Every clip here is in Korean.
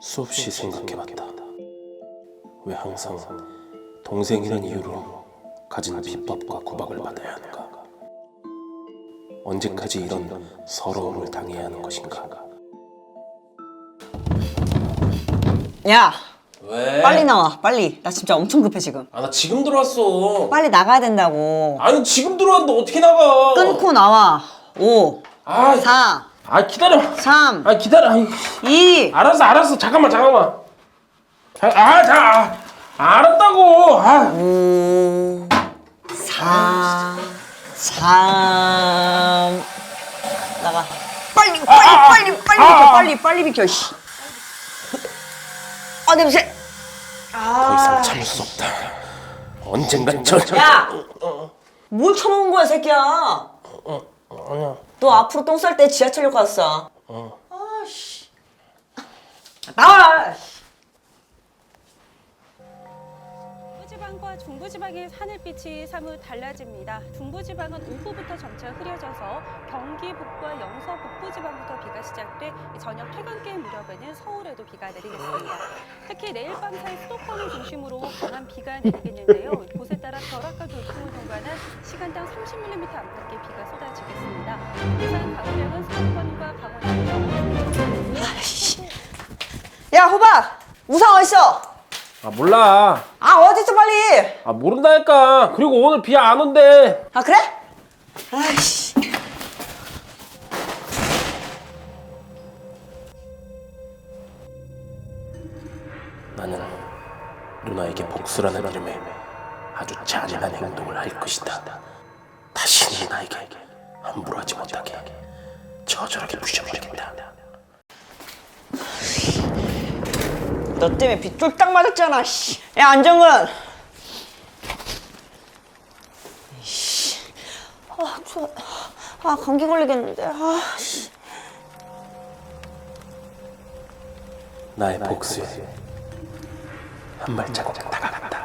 수없이 생각해봤다. 왜 항상 동생이란 이유로 가진 비법과 구박을 받아야 하는가? 언제까지 이런 서러움을 당해야 하는 것인가? 야, 왜? 빨리 나와, 빨리. 나 진짜 엄청 급해 지금. 아, 나 지금 들어왔어. 빨리 나가야 된다고. 아니, 지금 들어왔는데 어떻게 나가? 끊고 나와. 5, 아, 4, 기다려. 3, 기다려. 2. 알았어. 잠깐만. 알았다고. 5, 4, 3. 나가. 빨리 비켜. 씨. 아, 냄새. 더 이상 참을 수 없다. 언젠간 야! 뭘 처먹은 거야, 새끼야? 아니야. 너 앞으로 똥 쌀 때 지하철역 갔어. 아씨. 나와! 중부지방과 중부지방의 하늘빛이 사뭇 달라집니다. 중부지방은 오후부터 점차 흐려져서 경기 북부와 영서 북부지방부터 비가 시작돼 저녁 퇴근길 무렵에는 서울에도 비가 내리겠습니다. 특히 내일 밤 사이 수도권을 중심으로 강한 비가 내리겠는데요. 곳에 따라 벼락과 돌풍을 동반한 시간당 30mm 안팎의 비가 쏟아지겠습니다. 예상 강우량은 수도권과 강원 야, 호박! 우산 어딨어? 몰라. 아, 어딨어, 빨리! 모른다니까. 그리고 오늘 비 안 온대. 아, 그래? 아이씨. 나는 누나에게 복수라는 이름에 아주 잔인한 행동을 할 것이다. 다시는 나에게 함부로 하지 못하게 처절하게 부셔버리겠다. 너 때문에 비 쫄딱 맞았잖아, 씨. 야, 안정근! 씨. 아, 추워. 아, 감기 걸리겠는데. 아, 씨. 나의 복수에 한 발자국 다가갔다.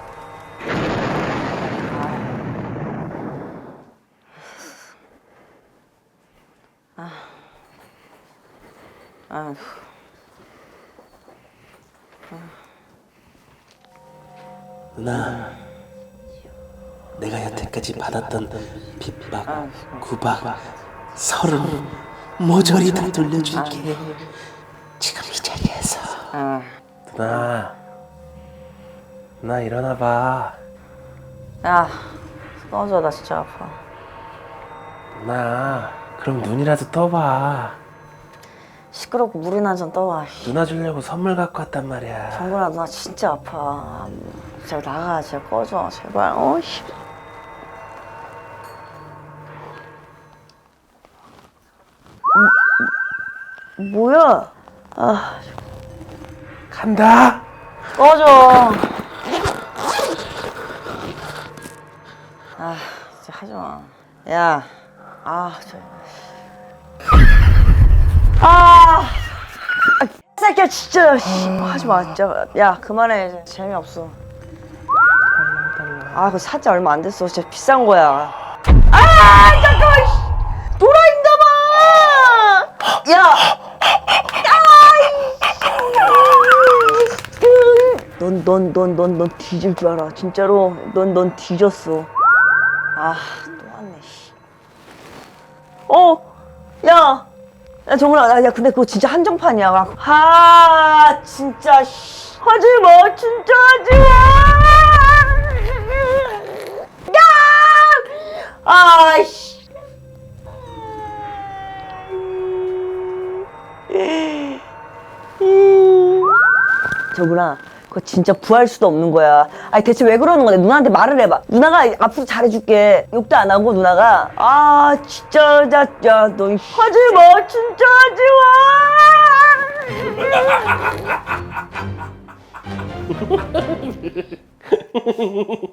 아휴. 누나, 내가 여태까지 받았던 핍박, 구박, 서름 모조리 다 돌려줄게. 지금 이 자리에서. 누나 일어나봐. 야, 꺼져, 나 진짜 아파. 누나, 그럼 눈이라도 떠봐. 시끄럽고 물이나 한 잔 떠와. 누나 주려고 선물 갖고 왔단 말이야. 정근아, 나 진짜 아파. 제발 나가, 제발 꺼져, 제발. 어이씨. 뭐야? 아, 간다. 꺼져. 아, 진짜 하지 마. 야, 새끼야, 진짜. 하지 마, 진짜. 야, 그만해. 이제 재미없어. 그거 사지 얼마 안 됐어. 진짜 비싼 거야. 잠깐만. 돌아있나봐. 야. 넌 뒤질 줄 알아. 진짜로. 넌 뒤졌어. 또 왔네, 씨. 야, 정훈아, 야, 근데 그거 진짜 한정판이야. 진짜, 씨. 하지 마, 진짜 하지 마! 야! 씨. 정훈아, 그거 진짜 구할 수도 없는 거야. 아니, 대체 왜 그러는 건데? 누나한테 말을 해봐. 누나가 앞으로 잘해줄게. 욕도 안 하고, 누나가. 진짜, 야, 너, 하지 마, 진짜 하지 마!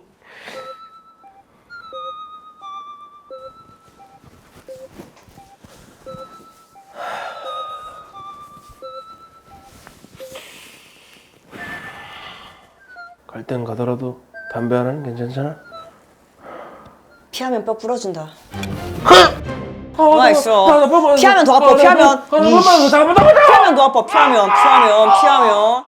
갈 땐 가더라도 담배 하나는 괜찮잖아? 피하면 뼈 부러진다. 뭐가 있어. 피하면 더 아파, 피하면. 피하면 더 아파, 피하면.